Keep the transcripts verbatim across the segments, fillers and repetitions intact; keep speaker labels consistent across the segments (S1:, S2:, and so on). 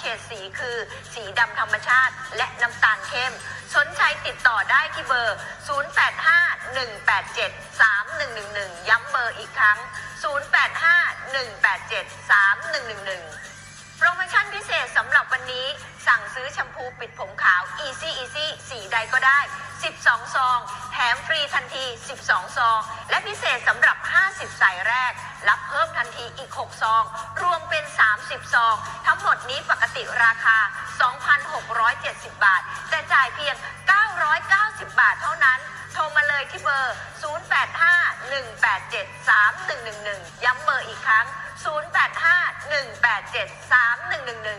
S1: ฉดสีคือสีดำธรรมชาติและน้ำตาลเข้มสนใจติดต่อได้ที่เบอร์ศูนย์ แปด ห้า หนึ่ง แปด เจ็ด สาม หนึ่ง หนึ่ง หนึ่งย้ำเบอร์อีกครั้งศูนย์ แปด ห้า หนึ่ง แปด เจ็ด สาม หนึ่ง หนึ่ง หนึ่งโปรโมชั่นพิเศษสำหรับวันนี้สั่งซื้อแชมพูปิดผมขาว Easy Easy สีใดก็ได้สิบสองซองแถมฟรีทันทีสิบสองซองและพิเศษสำหรับห้าสิบสายแรกรับเพิ่มทันทีอีกหกซองรวมเป็นสามสิบซองทั้งหมดนี้ปกติราคา สองพันหกร้อยเจ็ดสิบ บาทแต่จ่ายเพียงเก้าร้อยเก้าสิบบาทเท่านั้นโทรมาเลยที่เบอร์ศูนย์ แปด ห้า หนึ่ง แปด เจ็ด สาม หนึ่ง หนึ่ง หนึ่งย้ำเบอร์อีกครั้งศูนย์ แปด ห้า หนึ่ง แปด เจ็ด สาม หนึ่ง หนึ่ง หนึ่ง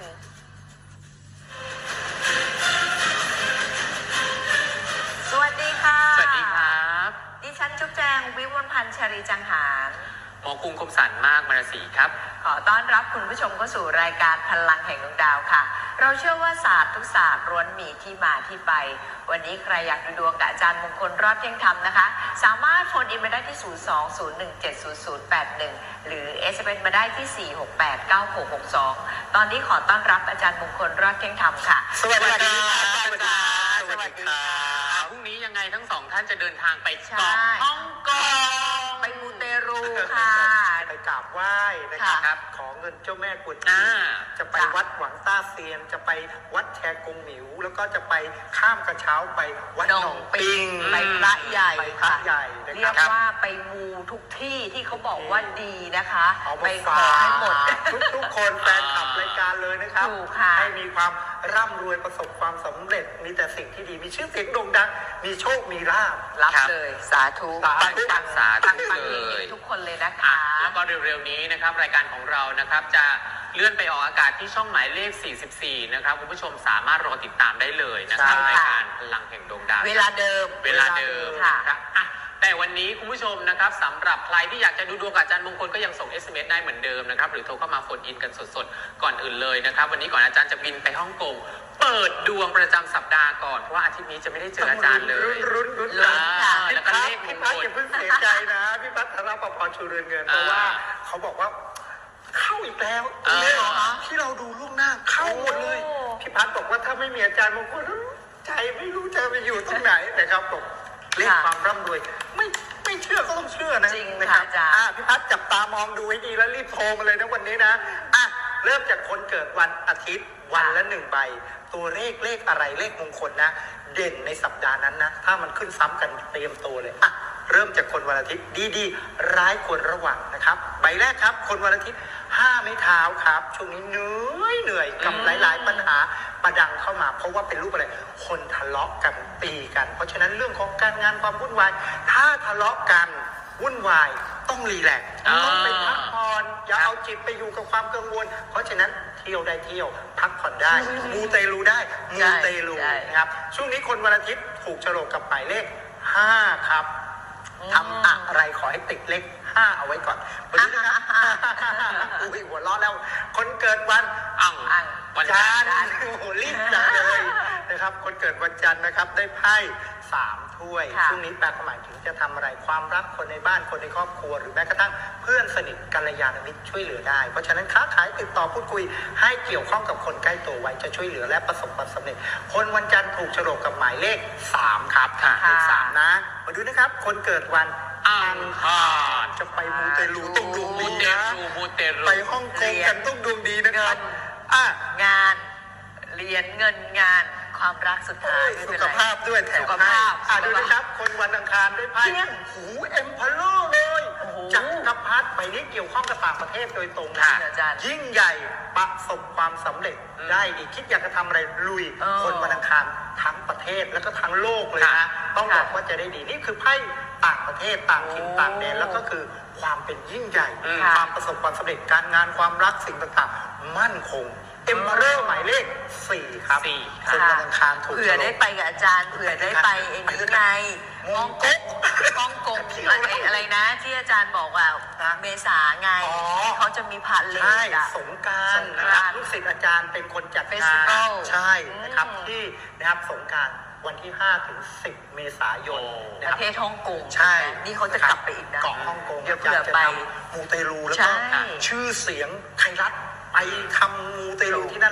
S1: สวัสดีค่ะ
S2: สวัสดีครับ
S1: ดิฉันจุ๊บแจงวิวลพันธ์ชรีจังหาร
S2: หมอกรุงคมสันมากมรศรีครับ
S1: ขอต้อนรับคุณผู้ชมเข้าสู่รายการพลังแห่งดวงดาวค่ะเราเชื่อว่าศาสตร์ทุกศาสตร์ล้วนมีที่มาที่ไปวันนี้ใครอยากดูดวงกับอาจารย์มงคลรอดเที่ยงธรรมนะคะสามารถโฟนอินมาได้ที่ศูนย์ สอง ศูนย์ หนึ่ง เจ็ด ศูนย์ ศูนย์ แปด หนึ่งหรือ เอส เอ็ม เอส มาได้ที่สี่ หก แปด เก้า หก หก สองตอนนี้ขอต้อนรับอาจารย์มงคลรอดเที่ยงธรรมค่ะ
S2: สวัสดีครับสวัสดีครับสวัสดีครับพรุ่งนี้ยังไงทั้งสองท่านจะเดินทางไปเกาะฮ่องกง
S1: ไปมูเตรูค่ะ
S3: ไปกราบไหว้นะครับขอเงินเจ้าแม่กวนอิมจะไปวัดหวังต้าเซียนจะไปวัดแชกงหมิวแล้วก็จะไปข้ามกระเช้าไปวัดหนองปิง
S1: ไปพระใหญ่
S3: ไปพระใหญ่
S1: เรียกว่าไปมูทุกที่ที่เขาบอกว่าดีนะคะไปขอให้หมด
S3: ทุกๆคนแฟนคลับรายการเลยนะครับให้มีความร่ำรวยประสบความสำเร็จมีแต่สิ่งที่ดีมีชื่อเสียงโด่งดังมีโชคมีลาภ
S1: รับเลยสาธุ
S2: ตั้งตั้งสาธุ
S1: เลยทุกคนเลยนะคะ
S2: แล้วก็เร็วๆนี้นะครับรายการของเรานะครับจะเลื่อนไปออกอากาศที่ช่องหมายเลขสี่สิบสี่นะครับคุณผู้ชมสามารถรอติดตามได้เลยนะครับรายการพลังแห่งดวงดาว
S1: เวลาเดิม
S2: เวลาเดิมครับแต่วันนี้คุณผู้ชมนะครับสำหรับใครที่อยากจะดูดวงกับอาจารย์มงคลก็ยังส่ง เอส เอ็ม เอส ได้เหมือนเดิมนะครับหรือโทรเข้ามาโฟนอินกันสดๆก่อนอื่นเลยนะครับวันนี้ก่อนอาจารย์จะบินไปฮ่องกงเปิดดวงประจำสัปดาห์ก่อนเพราะว่าอาทิตย์นี้จะไม่ได้เจออาจารย์เลย
S3: รุ่นรุ่น
S2: แล้วก็เลขมงคล
S3: อย่าเพิ่งเสียใจนะพี่พัฒนาประพรชูเรือนเงินเพราะว่าเขาบอกว่าเข้าอีกแล้วที่เราดูล่วงหน้าเข้าหมดเลยพี่พัฒบอกว่าถ้าไม่มีอาจารย์มงคลใจไม่รู้จะไปอยู่ตรงไหนนะครับผมเลขความร่ำรวยไม่ไม่เชื่อก็ต้องเชื่อนะ
S1: จริงนะครับ
S3: อ่าพี่พัฒจับตามองดูให้ดีแล้วรีบโทรมาเลยนะวันนี้นะอ่ะเริ่มจากคนเกิดวันอาทิตย์วันละหนึ่งใบตัวเลขเลขอะไรเลขมงคลนะเด่นในสัปดาห์นั้นนะถ้ามันขึ้นซ้ำกันเตรียมตัวเลยอ่ะเริ่มจากคนวันอาทิตย์ดีๆร้ายควรระวังนะครับใบแรกครับคนวันอาทิตย์ห้าไม้เท้าครับช่วงนี้เหนื่อยเหนื่อยกับหลายๆปัญหาประดังเข้ามาเพราะว่าเป็นรูปอะไรคนทะเลาะกันตีกันเพราะฉะนั้นเรื่องของการงานความวุ่นวายถ้าทะเลาะกันวุ่นวายต้องรีแลกซ์ต้องไปพักผ่อนอย่าเอาจิตไปอยู่กับความกังวลเพราะฉะนั้นเที่ยวได้เที่ยวพักผ่อนได้มูเตลูได้มูเตลูนะครับช่วงนี้คนวันอาทิตย์ถูกโฉลกกับหมายเลขห้าครับทำอะไรขอให้ติดเลขห้าเอาไว้ก่อนวันนี้นะครับอุ้ยหัวล้อแล้วคนเกิดวัน
S2: อัง
S3: วันจันทร์โอ้โหรีบจังเลยนะครับคนเกิดวันจันทร์นะครับได้ไพ่สามถ้วยช่วงนี้แปลความหมายถึงจะทำอะไรความรักคนในบ้านคนในครอบครัวหรือแม้กระทั่งเพื่อนสนิทกัลยาณมิตรช่วยเหลือได้เพราะฉะนั้นค้าขายติดต่อพูดคุยให้เกี่ยวข้องกับคนใกล้ตัวไว้จะช่วยเหลือและประสบความสำเร็จคนวันจันทร์ถูกโฉลกกับหมายเลขสามครับเลขสามนะมาดูนะครับคนเกิดวัน
S2: อังคาร
S3: จะไปมูเตลูต้องดวงดีนะไปฮ่องกงกันต้องดวงดีนะครับ
S1: อ่ะงานเรียนเงินงานความรักสุดท้าย
S3: สุขภาพด้วยแถมให้อ่ะดูนะครับคนวันอังคารได้ไพ่หูเอ็มพาโลเลยจักรพรรดิใบนี้เกี่ยวข้องกับต่างประเทศโดยตรงนะยิ่งใหญ่ประสบความสำเร็จได้ดีคิดอยากจะทำอะไรลุยคนวันอังคารทั้งประเทศแล้วก็ทั้งโลกเลยนะต้องบอกว่าจะได้ดีนี่คือไพ่ต่างประเทศต่างถิ่นต่างแดนแล้วก็คือความเป็นยิ่งใหญ่ความประสบความสำเร็จการงานความรักสิ่งต่างๆมั่นคงเอ็มเบอร์หมายเลขสี่ครับคนวันอังคารถูก
S1: เผื่อได้ไปกับอาจารย์เผื่อได้ไปเองไงฮ่องกงฮ่องกงอะไรนะที่อาจารย์บอกว่าเมษาไงเขาจะมีพาเลท
S3: สงการนะครับลูกศิษย์อาจารย์เป็นคนจัดงานใช่นะครับที่นะครับสงการวันที่ห้าถึงสิบเมษายน
S1: ประเทศฮ่องกง
S3: ใช่
S1: นี่เขาจะกลับไปอีกนะ
S3: เกาะฮ่องกงเดี๋ยวจะทำมูเตลูแล้วก็ชื่อเสียงไทยรัฐไปทำมูเตลูที่นั่น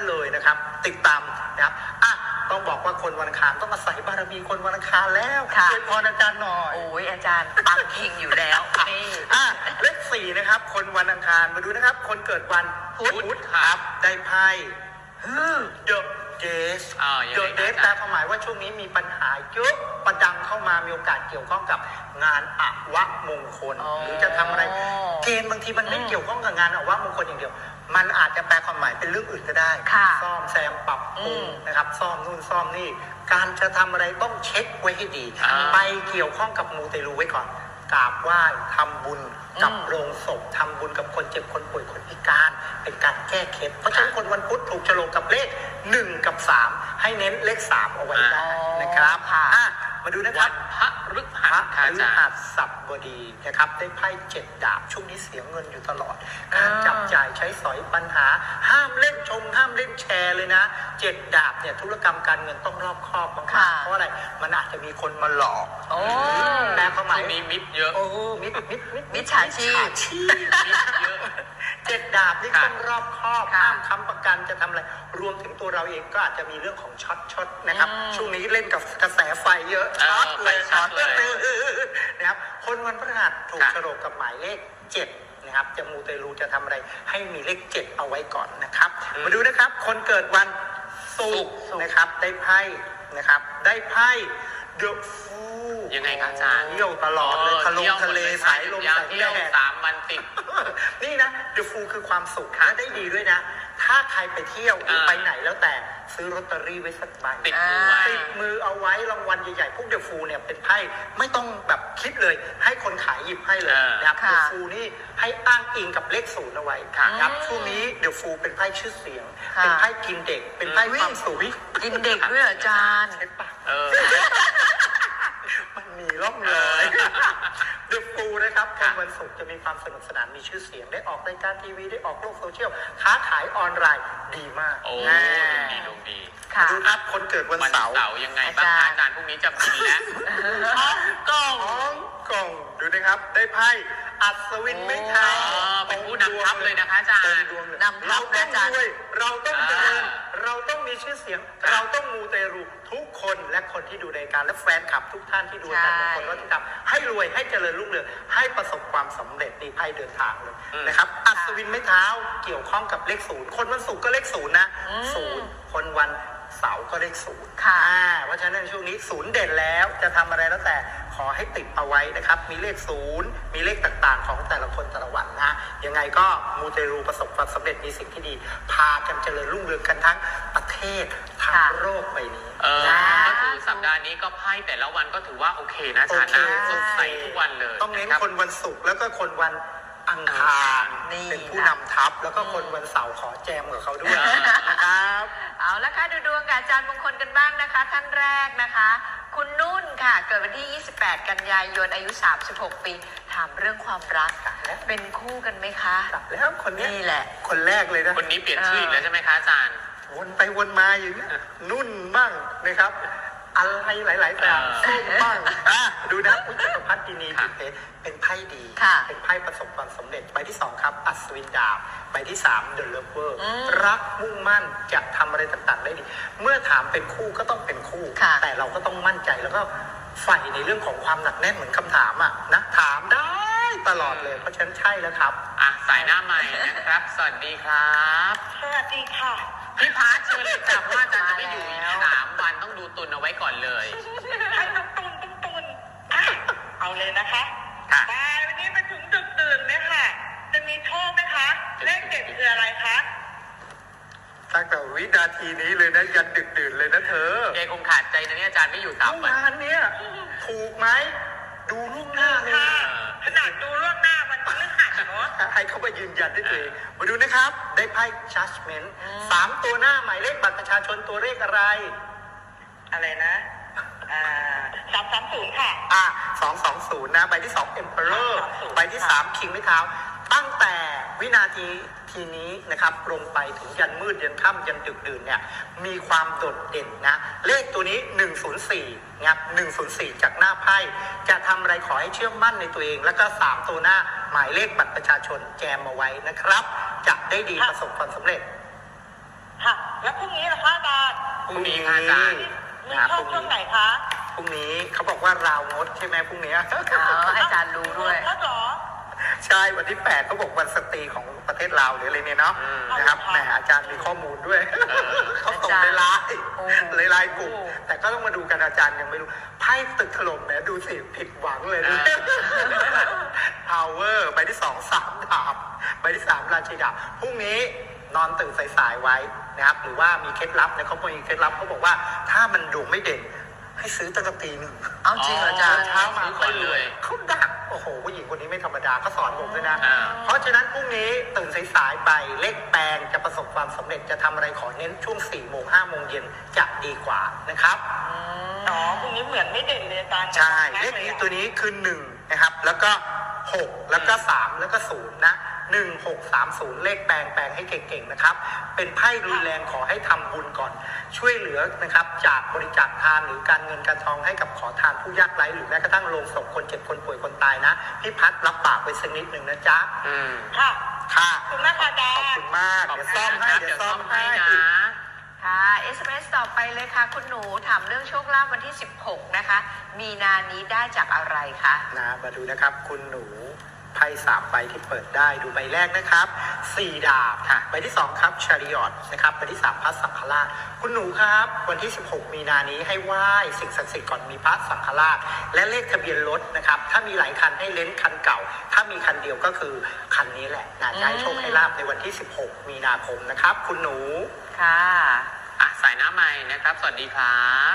S3: นั้นเลยนะครับ ติดตามนะครับอ่ะต้องบอกว่าคนวันอังคารต้องอาศัยบารมีคนวันอังคารแล้ว
S1: ค่ะ
S3: ช่วยพรอาจารย์หน่อย
S1: โอ้ยอาจารย์ปังคิงอยู่แล้วนี่
S3: อ่ะเลขสี่นะครับ คนวันอังคารมาดูนะครับ คนเกิดวันพุธครับได้ไพ่เดอะเดส
S2: อ่ายัง
S3: เด
S2: ไง
S3: อะเดส
S2: อา
S3: แปล
S2: จารย์
S3: ความหมายว่าช่วงนี้มีปัญหาเยอะประดังเข้ามามีโอกาสเกี่ยวข้องกับงานอวมงคล
S1: อ๋อ
S3: หรือจะทำอะไรเกณฑ์บางทีมันไม่เกี่ยวข้องกับงานอวมงคลอย่างเดียว มันอาจจะแปลความหมายเป็นเรื่องอื่นก็ได้
S1: ค่ะ
S3: ซ่อมแซมปรับปรุง
S1: อืม
S3: นะครับซ่อมนู่นซ่อมนี่ การจะทำอะไรต้องเช็คไว้ให้ดี
S2: อ่า
S3: ไปเกี่ยวข้องกับมูเตลูไว้ก่อนกราบไหว้ทำบุญกับ
S1: อืม
S3: โรงศพทำบุญกับคนเจ็บคนป่วยคนพิการเป็นการแก้เคล็ดเพราะฉะนั้นคนวันพุธถูกโฉลกกับเลขหนึ่งกับสามให้เน้นเลขสามเอาไว้ได้นะครับ
S1: ค่ะ
S3: อ่ะมาดูนะค
S2: วั
S3: รับ
S2: นพระฤ
S3: พ
S2: หั
S3: ระ
S2: สค่ะ
S3: พ
S2: อา
S3: ฤ
S2: จาร
S3: หั
S2: ย์
S3: สบดีนะครับได้ไพ่เจ็ดดาบช่วงนี้เสียเงินอยู่ตลอด การจับจ่ายใช้สอยปัญหา ห้ามเล่นชงห้ามเล่นแชร์เลยนะเจ็ดดาบเนี่ยธุรกรรมการเงินต้องรอบคอบมาก
S1: ค่ะ
S3: ๆเพราะอะไรมันอาจจะมีคนมาหลอก
S1: โอ้
S3: แปลความห
S2: ช่
S3: มา
S2: วย งนี้มิตรเยอะ
S3: โอ้มิดมิดมิด
S1: มิจฉาชีพ
S3: มิจฉาชีพ
S2: มิตรเยอะ
S3: เจ็ดดาบนี่
S2: ค่ะ
S3: ต้องรอบคอบ
S1: ค่ะ
S3: ห้ามค้ำประกันจะทำอะไรรวมถึงตัวเราเองก็อาจจะมีเรื่องของช็อตช็อตนะครับ
S1: อืม
S3: ช่วงนี้เล่นกับกระแสไฟเยอะ
S2: เออ
S3: ช็อตเลย
S2: ไฟช็อตเลย
S3: นะครับคนวันพฤหัสถูก
S2: ค่ะ
S3: โฉลกกับหมายเลขเจ็ดนะครับจะมูเตลูจะทำอะไรให้มีเลขเจ็ดเอาไว้ก่อนนะครับ มาดูนะครับ คนเกิดวันศุกร์นะครับได้ไพ่นะครับได้ไพ่เดอะฟู
S2: ยังไงครับอาจารย์
S3: เที่ยวตลอดเลยทะลงทะเลสายลมสาย
S2: เที่
S3: แด
S2: ยว
S3: ด
S2: สามวันติด
S3: นี่นะเดอะฟูคือความสุข
S2: ค่ะ
S3: และได้ดีด้วยนะ ถ้าใครไปเที่ยวหรือ
S2: เออ
S3: ไปไหนแล้วแต่ซื้อลอตเตอรี่ไว้สักใบ
S2: ติดมือไว้
S3: ติดมือเอาไว้รางวัลใหญ่ๆ พวกเดอะฟูเนี่ยเป็นไพ่ไม่ต้องแบบคิดเลย ให้คนขายหยิบให้เลย
S2: เออ
S3: นะครับ
S1: ค่ะ
S3: เดอะฟูนี่ให้อ้างอิงกับเลขศูนย์เอาไว้
S2: ค่ะ
S3: นะครับ
S1: อืม
S3: ช่วงนี้เดอะฟูเป็นไพ่ชื่อเสียง
S1: ค่ะ
S3: เป็นไพ่กินเด็ก เป็นไพ่
S1: อุ๊ย
S3: ความสุข
S1: กินเด็กด้วยเหรออาจารย์
S3: เห็นปะ
S2: เออ
S3: มันมีร่องรอยเดอะฟูนะครับคนวันศุกร์จะมีความสนุกสนานมีชื่อเสียงได้ออกรายการทีวีได้ออกโลกโซเชียลค้าขายออนไลน์ดีมาก
S2: โอ้
S3: แน่
S2: ดวงดีดวงดี
S1: ค่ะ
S3: ดูครับคนเกิดวัน
S2: วัน
S3: เสาร์
S2: เสาร์ยังไงบ้างคะอาจารย์พรุ่งนี้จะบินแล้ว
S3: ฮ่องกงฮ่องกงดูนะครับ ได้ไพ่อัศวินไม่เท้า
S2: อ๋อเป็นผู้นำทัพเลยนะคะอาจารย์
S3: เต็มดวงเลย
S1: นำทั
S3: เรา
S1: พ
S3: ต้อง
S1: นะอาจารย์
S3: รวยเราต้องเจริญ
S2: อ่า
S3: เราต้องมีชื่อเสียง
S2: ครับ
S3: เราต้องมูเตรูทุกคนและคนที่ดูรายการและแฟนคลับทุกท่านที่ดูรายการ
S1: ใช่
S3: ทุกคนก็ที่ทำให้รวยให้เจริญรุ่งเรืองให้ประสบความสำเร็จในไพ่เดินทางเลย
S2: อืม
S3: นะครับ อัศวินไม้เท้าเกี่ยวข้องกับเลขศูนย์คนวันศุกร์ก็เลขศูนย์นะ
S1: อืม
S3: ศูนย์คนวันเสาร์ก็เลขศูนย์
S1: ค่ะ
S3: อ่าเพราะฉะนั้นช่วงนี้ศูนย์เด่นแล้วจะทำอะไรแล้วแต่ขอให้ติดเอาไว้นะครับ มีเลขศูนย์มีเลขต่างๆ ของแต่ละคนแต่ละวันนะยังไงก็มูเตรูประสบความสำเร็จมีสิ่งที่ดี พากันเจริญรุ่งเรืองกันทั้งประเทศทั้ง
S1: ค่ะ
S3: โลกใบนี้
S2: เออ
S1: นะ
S2: ก็คือสัปดาห์นี้ก็ไพ่แต่ละวันก็ถือว่าโอเคนะอาจารย์นะ
S3: โอเค
S2: สดใสทุกวันเลย
S3: ต้องเน้น
S2: ครับ
S3: คนวันศุกร์แล้วก็คนวันอังคาร
S1: นี่
S3: เป็นผู้นำทัพแล้วก็คนวันเสาร์ขอแจมกับเขาด้วย
S2: อ่าน
S3: นะครับ
S1: เอาละค่ะดูดวงกับอาจารย์มงคลกันบ้างนะคะ ท่านแรกนะคะ คุณนุ่นค่ะ เกิดวันที่ ยี่สิบแปด กันยายน อายุ สามสิบหก ปี ถามเรื่องความรัก เป็นคู่กันไหมคะ
S3: แล้วคนเนี้ย
S1: นี่แหละ
S3: คนแรกเลยนะ
S2: คนนี้เปลี่ยนชื่ออีกแล้วใช่ไหมคะอาจารย์
S3: วนไปวนมาอย่างเงี้ยนุ่นบ้างนะครับ อะไรหลายๆอย่าง
S2: เออ
S3: ส้มบ้างอ่ะดูนะพุทธพัฒน์ดินี
S2: ค่ะ
S3: เป็นเป็นไพ่ดี
S1: ค่ะ
S3: เป็นไพ่ประสบความสำเร็จใบที่สองครับ อัศวินดาบใบที่สามเดอะเลิฟเวอร์
S1: อืม
S3: รักมุ่งมั่นจะทำอะไรต่างๆได้ดี เมื่อถามเป็นคู่ก็ต้องเป็นคู่
S1: ค่ะ
S3: แต่เราก็ต้องมั่นใจแล้วก็ใฝ่ในเรื่องของความหนักแน่นเหมือนคำถามอ่ะนะถามได้ตลอดเลยเพราะฉะนั้นใช่แล้วครับ
S2: อ่ะสายหน้าใหม่นะครับ สวัสดีครับ
S4: สวัสดีค่ะ
S2: พี่พาร์ทเชิญเลยจ้ะเพราะว่าอาจารย์จะไม่อยู่อีกสามวันต้องดูตุนเอาไว้ก่อนเลย
S4: ให้ตุนตุนตุนตุนอ่ะเอาเลยนะคะ
S2: ค่ะ
S4: บายวันนี้ไปถึงดึกดื่นเนี่ยค่ะ จะมีโชคไหมคะ เลขเด็ดคืออะไรคะ
S3: ตั้งแต่วินาทีนี้เลยนะยันดึกดื่นเลยนะเธอ
S2: เกคงขาดใจนะเนี่ยอาจารย์ไม่อยู่สาม
S3: เมื่อ
S2: วัน
S3: วานเนี่ยถูกไหมดูล่วงหน้าเลย
S4: ค่ะ ขนาดดูล่วงหน้าวันพฤหัสเนาะ
S3: ให้เขามายืนยันด้วยตัวเองมาดูนะครับ ได้ไพ่ judgment สามตัวหน้าหมายเลขบัตรประชาชนตัวเลขอะไร
S4: อะไรนะ อ่าสามสามศูนย์ค่ะ
S3: อ่ะสองสองศูนย์นะ ใบที่สอง emperor
S4: สองสองศูนย์
S3: ใบที่สาม king ไม้เท้า ตั้งแต่วินาทีทีนี้นะครับลงไปถึงยันมืดยันค่ำยันดึกดื่นเนี่ยมีความโดดเด่นนะ เลขตัวนี้หนึ่งศูนย์สี่นะครับหนึ่งศูนย์สี่จากหน้าไพ่จะทำอะไรขอให้เชื่อมั่นในตัวเอง แล้วก็สามตัวหน้าหมายเลขบัตรประชาชนแจมเอาไว้นะครับ จะได้ดีประสบความสำเร็จ
S4: ค่ะแล้วพรุ่งนี้ล่ะคะอาจารย์
S2: พรุ่งนี้ค่ะอาจารย์
S4: มี
S3: นะครับ
S4: ช่
S3: พ
S4: อง
S3: รุ่ง
S4: ช่อง
S3: นี้
S4: ไหนคะ
S3: พรุ่งนี้เขาบอกว่าราวงดใช่ไหมพรุ่งนี้
S1: อ๋ออาจารย์รู้ด้วย
S4: แล้วเหรอ
S3: ใช่วันที่แปดเขาบอกวันสตรีของประเทศลาวหรืออะไรเนี่ยเนาะ
S2: อืม
S3: นะครับ
S4: ค่ะ
S3: แหมอาจารย์มีข้อมูลด้วย
S2: เออ
S3: เขาส่งในไลน์
S1: โอ้
S3: ในไลน์กลุ่ม
S1: โอ้
S3: แต่ก็ต้องมาดูกันอาจารย์ยังไม่รู้ไพ่ตึกถล่มแหมดูสิผิดหวังเลยนะ พาวเวอร์ใบที่สองสามดาบใบที่สามราชินีดาบพรุ่งนี้นอนตื่นสายๆไว้นะครับหรือว่ามีเคล็ดลับนะเขาบอกมีเคล็ดลับเขาบอกว่าถ้ามันดวงไม่เด่นให้ซื้อตั้งแต่ตีหนึ่ง
S1: เอาจริงเหรออาจารย์
S3: เช้ามา
S2: ซื้อก่อนเลย
S3: เขาดักโอ้โหผู้หญิงคนนี้ไม่ธรรมดาเขาสอนผมด้วยนะ
S2: อ่า
S3: เพราะฉะนั้นพรุ่งนี้ตื่นสายๆไปเลขแปลงจะประสบความสำเร็จจะทำอะไรขอเน้นช่วงสี่โมงห้าโมงเย็นจะดีกว่านะครับ
S4: อ๋อพรุ่งนี้เหมือนไม่เด่นเลยอาจารย์
S3: ใช่
S4: มาก
S3: เลข
S4: ย
S3: นี้
S4: อะ
S3: ตัวนี้คือหนึ่งนะครับแล้วก็หกแล้วก็สามแล้วก็ศูนย์นะหนึ่งหกสามศูนย์เลขแปลงแปลงให้เก่งๆนะครับเป็นไพ่รุนแรงขอให้ทำบุญก่อน ช่วยเหลือนะครับจากบริจาคทานหรือการเงินการทองให้กับขอทานผู้ยากไร้หรือแม้กระทั่งโลงศพคนเจ็บคนป่วยคนตายนะพี่พัดรับปากไว้สักนิดหนึ่งนะจ๊ะ
S2: อืม
S4: ค่ะ
S3: ค่ะ
S4: ขอบคุณมากค่ะอาจาร
S3: ขอบ
S4: ย์
S3: คุณมาก
S2: ขอบ
S3: เดี๋ยว
S2: คุ
S3: ซ่อ
S2: ณ
S3: ม
S2: นะ
S3: ให้
S2: ครับ
S3: เดี๋
S2: เดี๋
S3: ย
S2: ยว ว
S3: ซ่
S2: ซ่
S3: อ
S2: อ
S3: ม
S2: ม
S3: ให้
S2: ให้นะ
S1: ค่ะ เอส เอ็ม เอส ต่อไปเลยค่ะ คุณหนูถามเรื่องโชคลาภวันที่ สิบหก นะคะ มีนานี้ได้จากอะไรคะ
S3: นะมาดูนะครับคุณหนูไพ่สามใบที่เปิดได้ดูใบแรกนะครับสี่ดาบ
S2: ค่ะ
S3: ใบที่สองครับชาริออตนะครับใบที่สามพระสังฆราชคุณหนูครับวันที่สิบหกมีนานี้ให้ไหว้สิ่งศักดิ์สิทธิ์ก่อนมีพระสังฆราชและเลขทะเบียนรถนะครับถ้ามีหลายคันให้เล้นคันเก่า ถ้ามีคันเดียวก็คือคันนี้แหละนะจะให้โชคให้ลาบในวันที่สิบหกมีนาคมนะครับคุณหนู
S1: ค่ะ
S2: อ่ะสายหน้าใหม่นะครับ สวัสดีครับ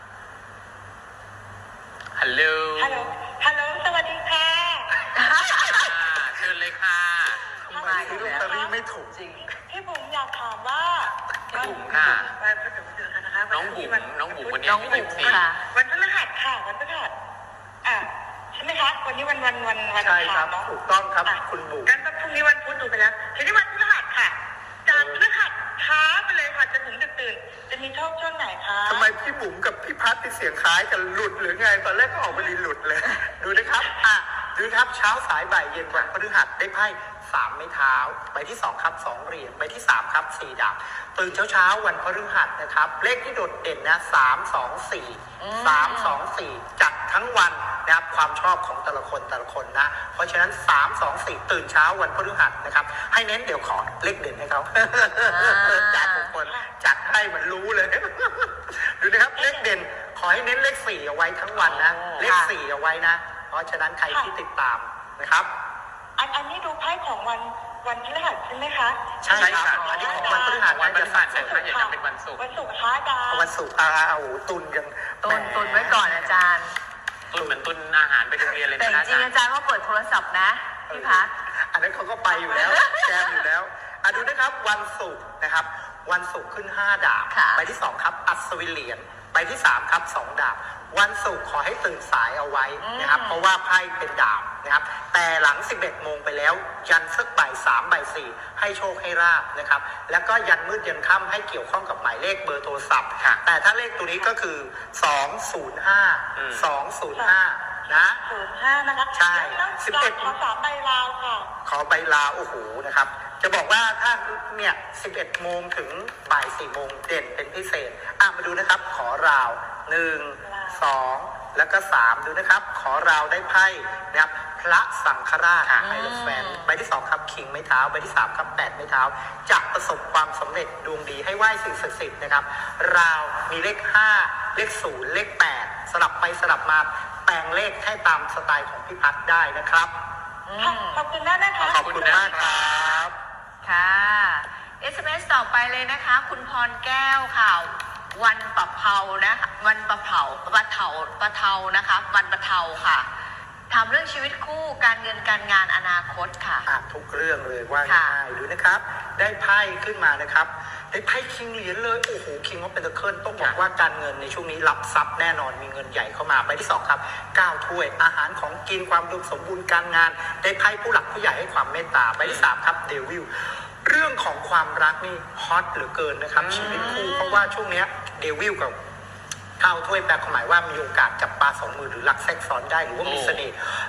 S2: ฮัลโหล
S4: ฮัลโหล ฮัลโหล สวัสดีค่ะ
S2: อ่าเชิญเลยค่ะ
S3: ทำไมซื้อลอตเตอรี่ไม่ถูก
S1: จริง
S4: พี่บุ๋มอยากถามว่า
S2: พี่บุ๋มค่ะ
S4: ไปผสมเจอกันนะคะ
S2: น้องบุ๋มน้องบุ๋มวันนี้
S1: น้อง
S2: อายุ
S1: บุ๋
S2: ยี่
S1: ม
S2: สิบสี่
S1: ค่ะ
S4: วันพฤหัสค่ะ วันพฤหัสอ่ะใช่ไหมคะ วันนี้วันวันวันวัน
S3: ใช่ครับ
S4: เนาะ
S3: ถูกต้องครับ
S4: อ่ะ
S3: คุณบุ๋ม
S4: กันพรุ่งนี้วันพุธดูไปแล้วทีนี้วันพฤหัสค่ะ จากพฤหัสช้าไปเลยค่ะจนถึงดึกตื่น จะมีโชคช่วงไหนคะ
S3: ทำไมพี่บุ๋มกับพี่พัดที่เสียงคล้ายกันหลุดหรือไงตอนแรกก็ออกมาดีหลุดเลย ดูนะครับอ่ะดูนะครับเช้าสายบ่ายเย็นวันพฤหัสได้ไพ่สามไม้เท้าใบที่สองครับสองเหรียญใบที่สามครับสี่ดาบตื่นเช้าเช้าๆวันพฤหัสนะครับเลขที่โดดเด่นนะสามสองสี่สามสองสี่จัดทั้งวันนะครับความชอบของแต่ละคนแต่ละคนนะเพราะฉะนั้นสามสองสี่ตื่นเช้าวันพฤหัสนะครับให้เน้นเดี๋ยวขอเลขเด่นให้เขา จัดทุกคนจัดให้เหมือนรู้เลย ดูนะครับเลขเด่นขอให้เน้นเลขสี่เอาไว้ทั้งวันนะ
S1: อ๋อ
S3: เลขสี่เอาไว้นะ เพราะฉะนั้นใครที่ติดตามนะครับ
S4: อันอันนี้ดูไพ่ของวันวันพฤหัสใช่ไหมคะ
S3: ใช่ครับ
S2: ใช่ครับ
S3: อันนี้ของวันพฤหัส
S2: วันพฤหัส
S3: จะ
S2: นะอย่าจำเป็นวันศุกร์
S4: วันศุกร์คะอาจารย์
S3: วันศุกร์อาโอ้โหตุนกัน
S1: ตุน
S3: แหม
S1: ตุนไว้ก่อนอาจารย์
S2: ตุนเหมือนตุนอาหารไปโรงเรียนเลย
S1: แต่
S2: นะ
S1: จริงๆอาจารย์ว่าเปิดโทรศัพท์นะ พี่พัด
S3: อันนั้นเขาก็ไปอยู่แล้ว แจมอยู่แล้วอ่ะดูนะครับวันศุกร์นะครับ วันศุกร์ขึ้นห้าดาบ
S1: ค่ะ
S3: ใบที่สองครับอัศวินเหรียญใบที่สามครับสองดาบ วันศุกร์ขอให้ตื่นสายเอาไว้นะครับ เพราะว่าไพ่เป็นดาบนะครับ แต่หลังสิบเอ็ดโมงไปแล้ว ยันสักบ่ายสามบ่ายสี่ให้โชคให้ราบนะครับ แล้วก็ยันมืดยันค่ำให้เกี่ยวข้องกับหมายเลขเบอร์โทรศัพท์
S2: ค่ะ
S3: แต่ถ้าเลขตัวนี้ก็คือสองศูนย์ห้า
S2: อืม
S3: สองศูนย์ห้านะ
S4: ศูนย์ห้านะคะ
S3: ใช่
S4: แล้ว
S3: สิบเอ็ด
S4: ขอสามใบลาวค่ะ
S3: ขอใบลาโอ้โหนะครับ จะบอกว่าถ้าเนี่ยสิบเอ็ดโมงถึงบ่ายสี่โมงเด่นเป็นพิเศษ อ่ะมาดูนะครับ ขอราวหนึ่งสองแล้วก็สามดูนะครับ ขอราวได้ไพ่นะครับพระสังฆราช
S2: ค่ะ
S3: ไฮโลแฟนใบที่สองครับคิงไม้เท้าใบที่สามครับแปดไม้เท้าจะประสบความสำเร็จดวงดีให้ไหว้สิ่งศักดิ์สิทธิ์นะครับ ราวมีเลขห้าเลขศูนย์เลขแปดสลับไปสลับมาแปลงเลขให้ตามสไตล์ของพี่พัฒน์ได้นะครับ
S4: ค่ะ ขอบคุณมากนะคะ
S3: ขอบคุณมากครับ
S1: ค่ะ เอส เอ็ม เอส ต่อไปเลยนะคะ คุณพรแก้วค่ะ วันปะเภานะคะวันปะเภาปะเทาปะเทานะคะ วันปะเทาค่ะทำเรื่องชีวิตคู่การเงินการงานอนาคตค่ะ
S3: อ่ะทุกเรื่องเลยว่า
S1: ค่ะ
S3: ง่ายดูนะครับ ได้ไพ่ขึ้นมานะครับได้ไพ่คิงเหรียญเลยโอ้โหคิงว่าเป็นตะเคิลต้องบอกว่าการเงินในช่วงนี้รับทรัพย์แน่นอนมีเงินใหญ่เข้ามาใบที่สองครับเก้าถ้วยอาหารของกินความอุดมสมบูรณ์การงาน ได้ไพ่ผู้หลักผู้ใหญ่ให้ความเมตตาใบที่สามครับเดวิลเรื่องของความรักนี่ฮอตเหลือเกินนะครับชีวิตคู่เพราะว่าช่วงเนี้ยเดวิลกับ เก้าถ้วยแปลความหมายว่ามีโอกาสจับปลาสองมือหรือลักแทรกซ้อนได้หรือว่ามีเสน่ห์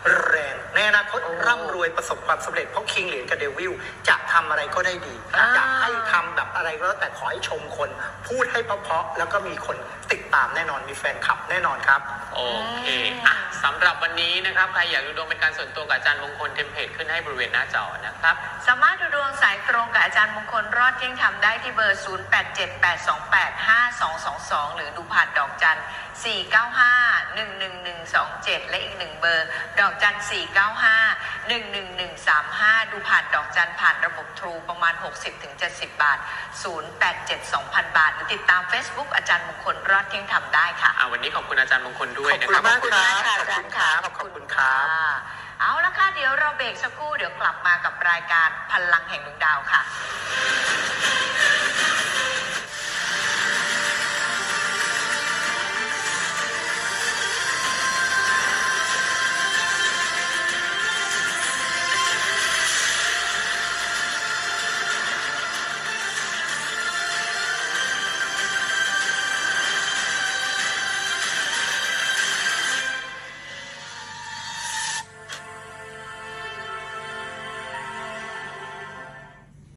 S3: แรงในอนาคตร่ำรวยประสบความสำเร็จเพราะคิงเหรียญกับเดวิลจะทำอะไรก็ได้ดี
S1: อ่า
S3: อยากให้ทำแบบอะไรก็แล้วแต่ขอให้ชมคน พูดให้เพราะๆแล้วก็มีคนติดตามแน่นอนมีแฟนคลับแน่นอนครับ
S2: โอเคอ่ะสำหรับวันนี้นะครับใครอยากดูดวงเป็นการส่วนตัวกับอาจารย์มงคลเทมเพลตขึ้นให้บริเวณหน้าจอนะครับ
S1: สามารถดูดวงสายตรงกับอาจารย์มงคลรอดเที่ยงธรรมได้ที่เบอร์ ศูนย์ แปด เจ็ด แปด สอง แปด ห้า สอง สอง สอง หรือดูผ่านดอกจัน สี่ เก้า ห้า หนึ่ง หนึ่ง หนึ่ง สอง เจ็ด และอีกหนึ่งเบอร์ ดอกจัน สี่ เก้า ห้า หนึ่ง หนึ่ง หนึ่ง สาม ห้า ดูผ่านดอกจันผ่านระบบทรูประมาณ หกสิบถึงเจ็ดสิบ บาท ศูนย์ แปด เจ็ด สอง พัน บาท หรือติดตาม Facebook อาจารย์มงคลรอดเที่ยงธรรมได้ค่ะ
S2: อ่ะวันนี้ขอบคุณอาจารย์มงคลด้วย
S3: ขอบ
S2: นะ
S3: คุณ
S2: ครับ
S3: มาก
S1: ขอบคุณมากค่ะอาจารย์ค่ะ
S3: ขอบคุณครับ
S1: ะเอาละค่ะ เดี๋ยวเราเบรกสักครู่เดี๋ยวกลับมากับรายการพลังแห่งดวงดาวค่ะ